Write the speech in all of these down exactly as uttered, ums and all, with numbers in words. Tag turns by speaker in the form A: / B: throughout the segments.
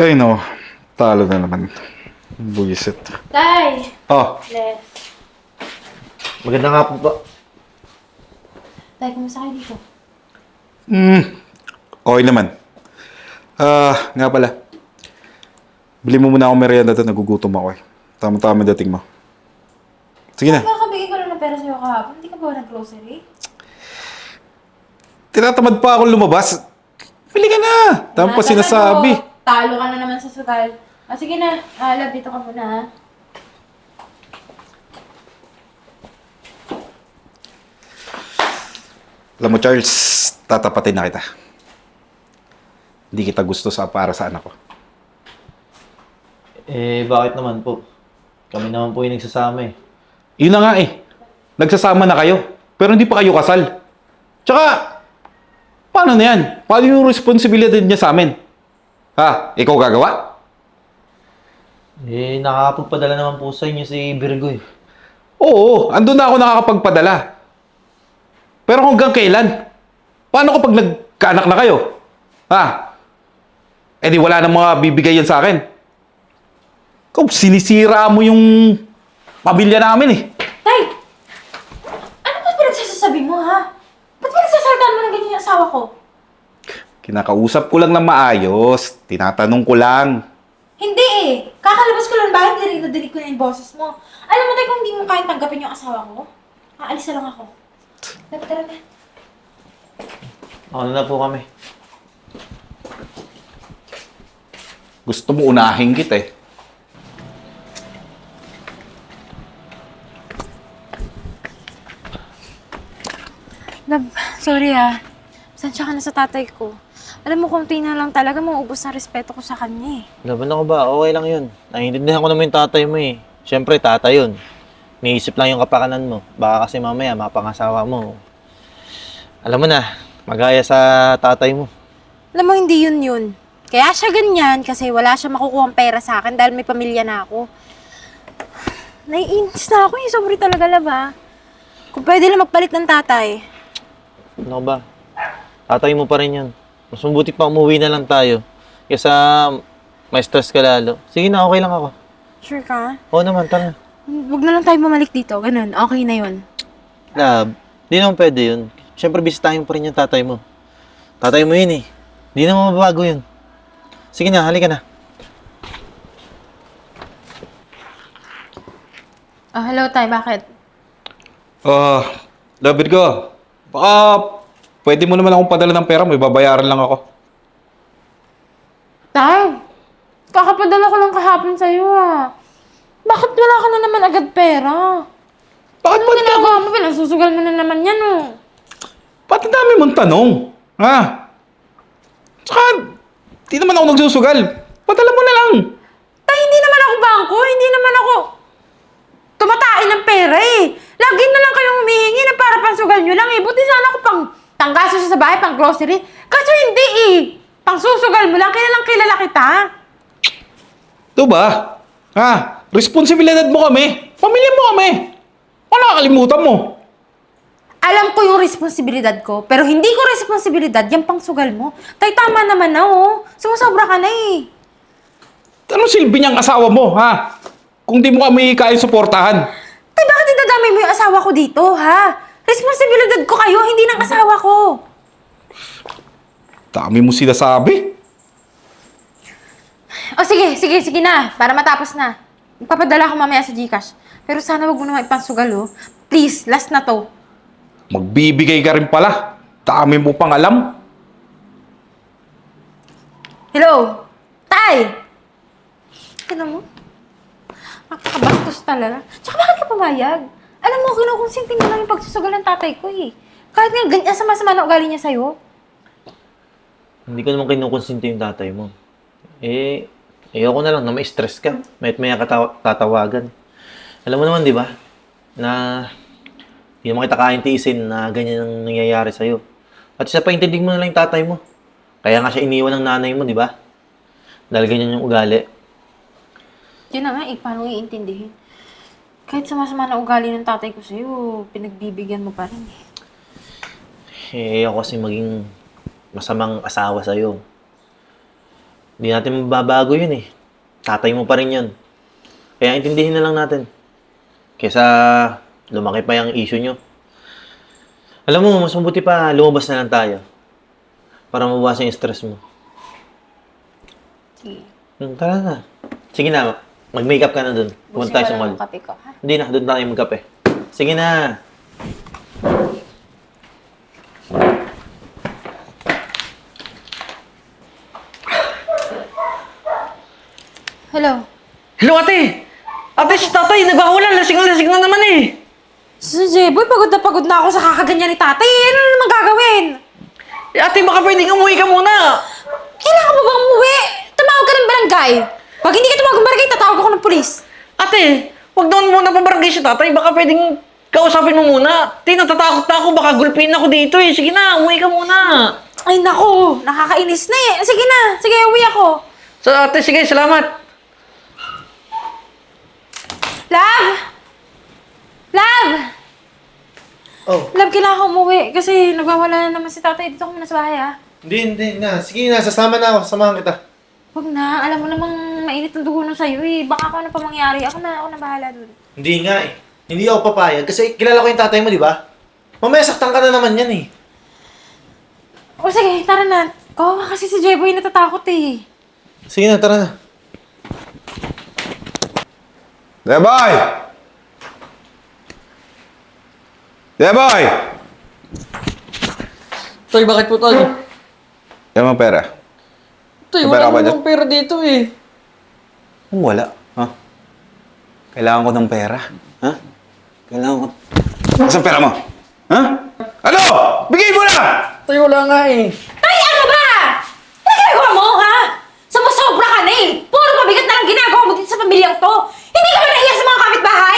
A: Ay no, talo na naman. Buisit.
B: Tay!
A: Oh,
B: Left.
C: Maganda nga po ba?
B: Tay, kumusta kayo dito?
A: mm, okay naman. Ah, nga pala. Bili mo muna ako merienda doon, nagugutom ako eh. Tama-tama dating mo. Sige na.
B: Kakabigay ko lang ng pera sa'yo kahapon. Hindi ka ba nag-grocery?
A: Tinatamad pa ako lumabas. Bili ka na. Tama pa
B: Tinatamad
A: sinasabi.
B: mo. Talo ka na naman sa sugal. Ah, sige na. Ah, love, dito ka muna ha.
A: Alam mo Charles, tatapatin na kita. Hindi kita gusto sa para sa anak ko.
C: Eh, bakit naman po? Kami naman po yung nagsasama eh.
A: Yun na nga eh. Nagsasama na kayo. Pero hindi pa kayo kasal. Tsaka, paano na yan? Paano yung responsibilidad niya sa amin? Ha? Ikaw gagawa?
C: Eh, nakakapagpadala naman po sa inyo si Virgo eh.
A: Oo, andun na ako nakakapagpadala. Pero hanggang kailan? Paano kapag nagkaanak na kayo? Ha? Eh di wala nang mga bibigay yan sa akin. Ikaw, sinisira mo yung pamilya namin eh.
B: Tay! Ano ba pinagsasasabi mo ha? Ba't pinagsasaltaan mo ng ganyan yung asawa ko?
A: Kinakausap ko lang ng maayos. Tinatanong ko lang.
B: Hindi eh. Kakalabas ko lang bakit dinig na dinig ko na yung boses mo. Alam mo tayo kung hindi mo kahit tanggapin yung asawa ko, aalis na lang ako. Tara, tara na.
C: Ano na po kami?
A: Gusto mo unahin kita eh.
B: Love, sorry ah. Sansya ka na sa tatay ko. Alam mo, konti na lang talaga mauubos na respeto ko sa kanya eh.
C: Laban ako ba? Okay lang yun. Naiintindihan ko naman yung tatay mo eh. Siyempre, tatay yun. Niisip lang yung kapakanan mo. Baka kasi mamaya, mapangasawa mo. Alam mo na, magaya sa tatay mo.
B: Alam mo, hindi yun yun. Kaya siya ganyan kasi wala siya makukuha pera sa akin dahil may pamilya na ako. Naiinis na ako eh. Sorry talaga, love ah. Kung pwede lang magpalit ng tatay.
C: Ano ba? Tatay mo pa rin yun. Mas mabuti pa umuwi na lang tayo. Kaysa may stress ka lalo. Sige na, okay lang ako.
B: Sure ka?
C: Oo naman, tara na.
B: Huwag na lang tayo mamalik dito. Ganun. Okay na yun.
C: Lab, di naman pwede yun. Siyempre, bisitahin mo pa rin yung tatay mo. Tatay mo yun eh. Di naman mababago yun. Sige na, halika na.
B: Ah, hello, tay. Bakit?
A: Ah, David ko. Baka pwede mo naman akong padala ng pera. May babayaran lang ako.
B: Tay! Kakapadala ko lang kahapon sa'yo ah. Bakit wala ka na naman agad pera?
A: Bakit
B: Ano
A: ba't
B: ginagawa mo? Pinasusugal mo na naman yan oh.
A: Ba't ang dami mong tanong? Ha? Tsaka, di naman ako nagsusugal. Padala mo na lang.
B: Tay, hindi naman ako bangko. Hindi naman ako tumatain ng pera eh. Lagi na lang kayong humihingi na para pansugal nyo lang eh. Buti sana ako pang tanggaso sa bahay, pang grocery. Kaso hindi eh. Pang susugal mo lang, kilalang kilala kita.
A: Ito ba? Ha? Responsibilidad mo kami. Pamilya mo kami. Wala kakalimutan mo.
B: Alam ko yung responsibilidad ko, pero hindi ko responsibilidad yung pangsugal mo. Tay, tama naman na oh. Sumusobra ka na eh.
A: Anong silbi niyang asawa mo, ha? Kung di mo kami kaya suportahan.
B: Tay, bakit idadamay mo yung asawa ko dito, ha? Responsibilidad ko kayo, hindi ng asawa ko.
A: Dami mo sinasabi.
B: O sige, sige, sige na. Para matapos na. Ipapadala ko mamaya sa GCash. Pero sana wag mo naman ipangsugal, oh. Please, last na to.
A: Magbibigay ka rin pala. Dami mo pang alam.
B: Hello? Tay! Tignan mo. Nakakabastos talaga. Tsaka bakit ka pumayag? Alam mo, kinukonsinti mo lang yung pagsusugal ng tatay ko eh. Kahit nga ganyan sama-sama na ugali niya sa'yo.
C: Hindi ko naman kinukonsinti yung tatay mo. Eh, ayoko na lang na may stress ka. May't maya ka tawa- tatawagan. Alam mo naman, di ba? Na hindi mo kita kaintiisin na ganyan ang nangyayari sa'yo. At isa pa, intindig mo na lang yung tatay mo. Kaya nga siya iniwan ng nanay mo, di ba? Dahil ganyan yung ugali.
B: Yun na nga eh, paano iintindihin? Kahit sama-sama na ugali ng tatay ko sa'yo, pinagbibigyan mo pa rin eh.
C: Eh, ako kasi maging masamang asawa sa'yo. Hindi natin mababago yun eh. Tatay mo pa rin yun. Kaya intindihin na lang natin. Kesa lumaki pa yung issue nyo. Alam mo, mas mabuti pa lumabas na lang tayo. Para mabawasan yung stress mo.
B: Sige.
C: Hmm, tara na. Sige na, mag-makeup ka na dun. Pumunta tayo sa mall.
B: kape ko, ha?
C: Hindi na, doon tayo magkape. Sige na.
B: Hello?
D: Hello, ate! Ate, si tatay, nag-aawalan. Lasing na lasing na naman eh.
B: Si Jeboy, pagod na pagod na ako sa kakaganyan ni tatay. Ano na naman gagawin?
D: Eh, ate, baka pwedeng umuwi ka muna.
B: Kailangan mo bang umuwi? Tumawag ka ng barangay. Pag hindi ka tumawag ng barangay, tatawag ako ng pulis.
D: Ate, wag doon muna pabarangay si tatay. Baka pwedeng kausapin mo muna. Ate, natatakot na ako. Baka gulpin ako dito eh. Sige na, umuwi ka muna.
B: Ay nako, nakakainis na eh. Sige na, sige, uwi ako.
D: So, ate, sige, salamat.
B: Love! Love!
E: Oh,
B: Love, kailangan ko umuwi kasi nagwawala na naman si tatay. Dito ko muna sa bahay, ah.
E: hindi, hindi na. Sige na, sasama na ako. Samahan kita.
B: Huwag na, alam mo namang mainit ang dugo nun sa'yo eh. Baka ako na pa mangyari. Ako na, ako na bahala dun.
E: Hindi nga eh. Hindi ako papayag kasi kilala ko yung tatay mo, di ba? Mamaya saktan ka na naman yan eh.
B: O sige, tara na. Kawawa kasi si Jeboy natatakot eh.
E: Sige na, tara na.
A: Deboy! Deboy!
D: Tay, bakit po, tol?
A: Yan ang pera.
D: Tay,
A: May pera
D: wala
A: ka ba dyan?
D: namang pera dito eh.
A: Kung wala, ha? Kailangan ko ng pera. Ha? Kailangan ko... Saan pera mo? Ha? Ano? Bigay mo na!
D: Tay, wala nga eh.
B: Ay, ano ba? Ano ginagawa mo, ha? Sumusobra ka na eh. Puro mabigat na lang ginagawa mo dito sa pamilyang to. Hindi ka ba nahiya sa mga kapitbahay?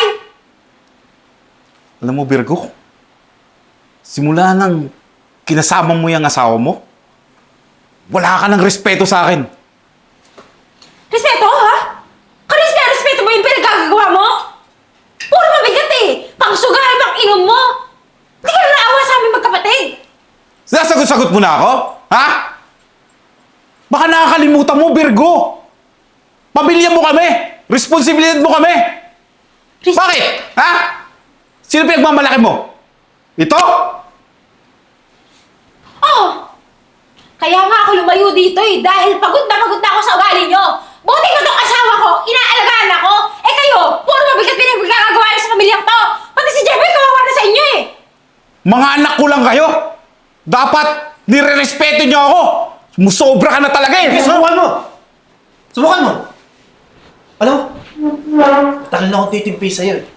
A: Alam mo, Virgo, simula nang kinasama mo yung asawa mo, wala ka ng respeto sa akin.
B: Respeto, ha? Kanis na respeto ba yung pinagkagagawa mo? Puro mabigat eh. Pang sugal, pang inom mo. Hindi ka na naawa sa aming magkapatid.
A: Sinasagot-sagot mo na ako? Ha? Baka nakakalimutan mo, Virgo. Pamilya mo kami. Responsibilidad mo kami.
B: Res-
A: Bakit? Ha? Sino pinagmamalaki mo? Ito?
B: Oh! Kaya nga ako lumayo dito eh, dahil pagod na pagod na ako sa ugali nyo. Buti mo tong asawa ko, inaalagaan ako. Eh kayo, puro mabigat pinagkagagawa niyo sa pamilyang to. Pati si Jeboy kawawa na sa inyo eh.
A: Mga anak ko lang kayo. Dapat nire-respeto niyo ako. Musobra ka na talaga eh.
E: Sige, subukan mo! Subukan mo! Alam mo, tagal na akong titimpi sa'yo eh.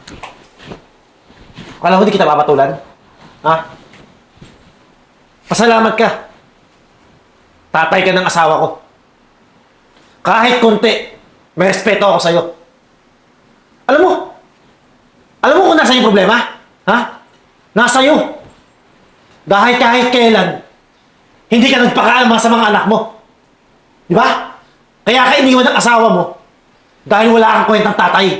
E: Akala mo di kita papatulan? Ha? Pasalamat ka. Tatay ka ng asawa ko. Kahit konti, may respeto ako sa'yo. Alam mo, alam mo kung nasa yung problema? Ha? Nasa iyo. Dahil kahit kailan, hindi ka nagpakaalma sa mga anak mo. Di ba? Kaya ka iniwan ng asawa mo dahil wala kang kwentang tatay.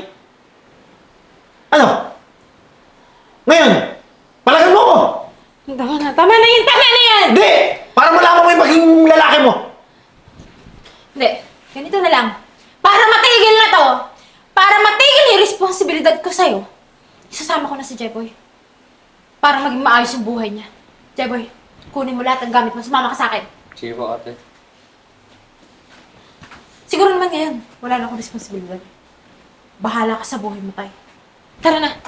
E: Ano? Ngayon, palagan mo ko!
B: Tama na, tama na yan, tama na yan!
E: Hindi! Para malaman mo yung maging lalaki mo!
B: Hindi, ganito na lang. Para matigil na to, para matigil yung responsibilidad ko sa'yo, isasama ko na si Jeboy. Para maging maayos yung buhay niya. Jeboy, kunin mo lahat ng gamit mo, sumama ka sa akin.
D: Sige po, ate.
B: Siguro naman ngayon, wala na akong responsibilidad. Bahala ka sa buhay mo, tay. Tara na.